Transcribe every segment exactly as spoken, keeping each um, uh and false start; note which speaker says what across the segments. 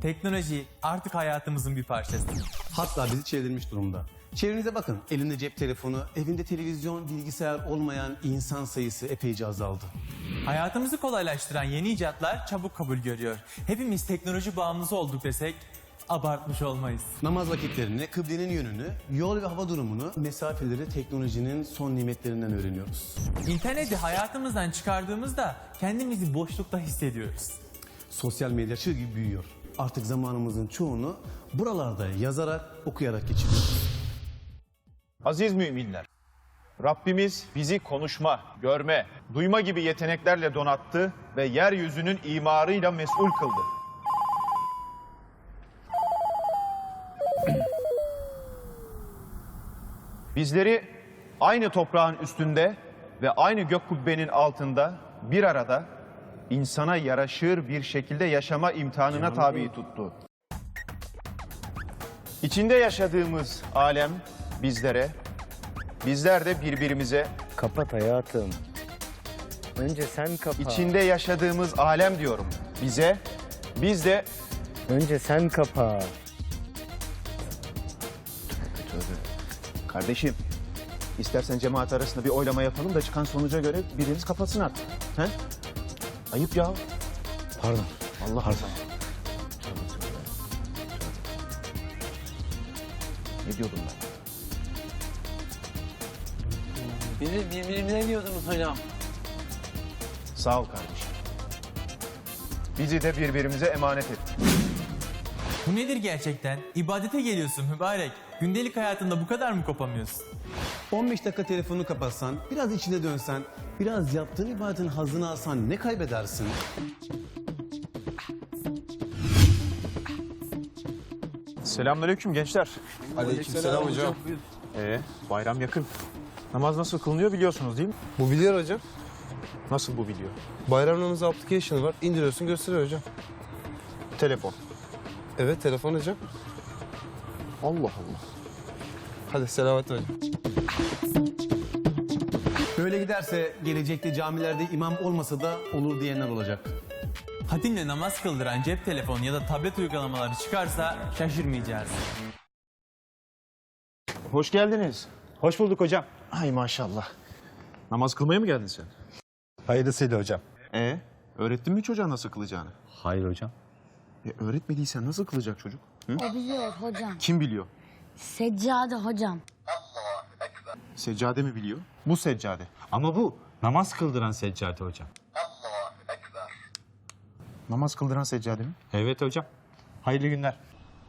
Speaker 1: Teknoloji artık hayatımızın bir parçası.
Speaker 2: Hatta bizi çevrilmiş durumda. Çevrenize bakın. Elinde cep telefonu, evinde televizyon, bilgisayar olmayan insan sayısı epeyce azaldı.
Speaker 1: Hayatımızı kolaylaştıran yeni icatlar çabuk kabul görüyor. Hepimiz teknoloji bağımlısı olduk desek abartmış olmayız.
Speaker 2: Namaz vakitlerini, kıblenin yönünü, yol ve hava durumunu, mesafeleri teknolojinin son nimetlerinden öğreniyoruz.
Speaker 1: İnterneti hayatımızdan çıkardığımızda kendimizi boşlukta hissediyoruz.
Speaker 2: Sosyal medya çığ gibi büyüyor. Artık zamanımızın çoğunu buralarda yazarak, okuyarak geçiriyoruz.
Speaker 3: Aziz müminler, Rabbimiz bizi konuşma, görme, duyma gibi yeteneklerle donattı ve yeryüzünün imarıyla mesul kıldı. Bizleri aynı toprağın üstünde ve aynı gök kubbenin altında bir arada insana yaraşır bir şekilde yaşama imtihanına tabi tuttu. İçinde yaşadığımız alem bizlere, bizler de birbirimize,
Speaker 4: Kapat hayatım. Önce sen kapa.
Speaker 3: içinde yaşadığımız alem diyorum bize, biz de...
Speaker 4: Önce sen kapa.
Speaker 3: Kardeşim, istersen cemaat arasında bir oylama yapalım da çıkan sonuca göre biriniz kapatsın artık. He? Ayıp ya.
Speaker 4: Pardon.
Speaker 3: Allah Allah. Ne diyordum ben?
Speaker 5: Bizi birbirimize diyordunuz hocam.
Speaker 3: Sağ ol kardeşim. Bizi de birbirimize emanet et.
Speaker 1: Bu nedir gerçekten? İbadete geliyorsun mübarek. Gündelik hayatında bu kadar mı kopamıyorsun?
Speaker 2: on beş dakika telefonu kapatsan, biraz içine dönsen, biraz yaptığın ibadetin hazını alsan ne kaybedersin?
Speaker 3: Selamünaleyküm gençler.
Speaker 6: Aleykümselam hocam.
Speaker 3: Ee, bayram yakın. Namaz nasıl kılınıyor biliyorsunuz değil mi?
Speaker 6: Bu biliyor hocam.
Speaker 3: Nasıl bu video?
Speaker 6: Bayram namazı application var. İndiriyorsun gösteriyor hocam.
Speaker 3: Telefon.
Speaker 6: Evet telefon hocam.
Speaker 3: Allah Allah.
Speaker 6: Hadi selamet hocam.
Speaker 2: Böyle giderse gelecekte camilerde imam olmasa da olur diyenler olacak.
Speaker 1: Hatimle namaz kıldıran cep telefonu ya da tablet uygulamaları çıkarsa şaşırmayacağız.
Speaker 3: Hoş geldiniz.
Speaker 4: Hoş bulduk hocam.
Speaker 3: Ay maşallah. Namaz kılmaya mı geldin sen?
Speaker 4: Hayırlısıyla hocam.
Speaker 3: Ee, öğrettin mi çocuğa nasıl kılacağını?
Speaker 4: Hayır hocam.
Speaker 3: E, öğretmediysen nasıl kılacak çocuk? Hı?
Speaker 7: O biliyor hocam.
Speaker 3: Kim biliyor?
Speaker 7: Seccade hocam.
Speaker 3: Seccade mi biliyor? Bu seccade.
Speaker 4: Ama bu namaz kıldıran seccade hocam.
Speaker 3: Namaz kıldıran seccade mi?
Speaker 4: Evet hocam. Hayırlı günler.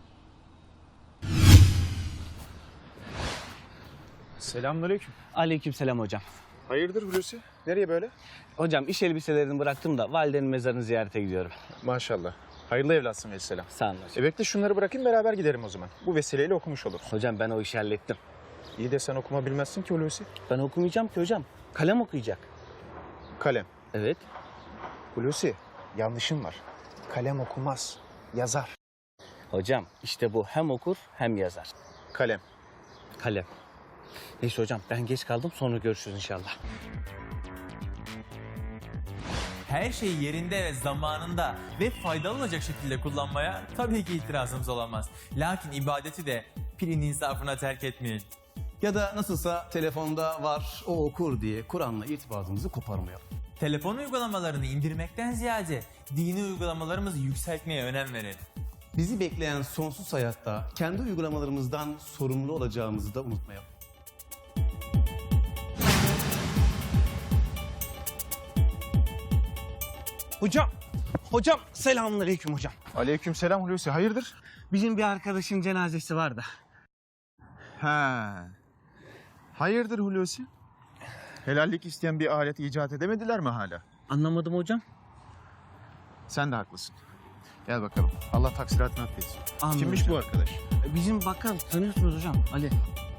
Speaker 3: Selamünaleyküm.
Speaker 8: Aleykümselam hocam.
Speaker 3: Hayırdır Hulusi? Nereye böyle?
Speaker 8: Hocam iş elbiselerini bıraktım da validenin mezarını ziyarete gidiyorum.
Speaker 3: Maşallah. Hayırlı evlatsın vesselam.
Speaker 8: Sağ olun hocam.
Speaker 3: E bekle şunları bırakayım beraber giderim o zaman. Bu vesileyle okumuş olur.
Speaker 8: Hocam ben o işi hallettim.
Speaker 3: İyi de sen okuma bilmezsin ki Hulusi.
Speaker 8: Ben okumayacağım ki hocam. Kalem okuyacak.
Speaker 3: Kalem.
Speaker 8: Evet.
Speaker 3: Hulusi yanlışın var. Kalem okumaz. Yazar.
Speaker 8: Hocam işte bu hem okur hem yazar.
Speaker 3: Kalem.
Speaker 8: Kalem. Neyse hocam ben geç kaldım, sonra görüşürüz inşallah.
Speaker 1: Her şeyi yerinde ve zamanında ve faydalı olacak şekilde kullanmaya tabii ki itirazımız olamaz. Lakin ibadeti de pilin insafına terk etmeyin.
Speaker 2: Ya da nasılsa telefonda var, o okur diye Kur'an'la irtibatımızı koparmayalım.
Speaker 1: Telefon uygulamalarını indirmekten ziyade dini uygulamalarımızı yükseltmeye önem verelim.
Speaker 2: Bizi bekleyen sonsuz hayatta kendi uygulamalarımızdan sorumlu olacağımızı da unutmayalım.
Speaker 8: Hocam, hocam selamünaleyküm hocam.
Speaker 3: Aleykümselam Hulusi. Hayırdır?
Speaker 8: Bizim bir arkadaşın cenazesi var da.
Speaker 3: He. Hayırdır Hulusi? Helallik isteyen bir alet icat edemediler mi hala?
Speaker 8: Anlamadım hocam.
Speaker 3: Sen de haklısın. Gel bakalım. Allah taksiratını affetsin.
Speaker 8: Anladım
Speaker 3: Kimmiş
Speaker 8: hocam.
Speaker 3: bu arkadaş?
Speaker 8: Bizim bakkal tanıyorsunuz hocam, Ali.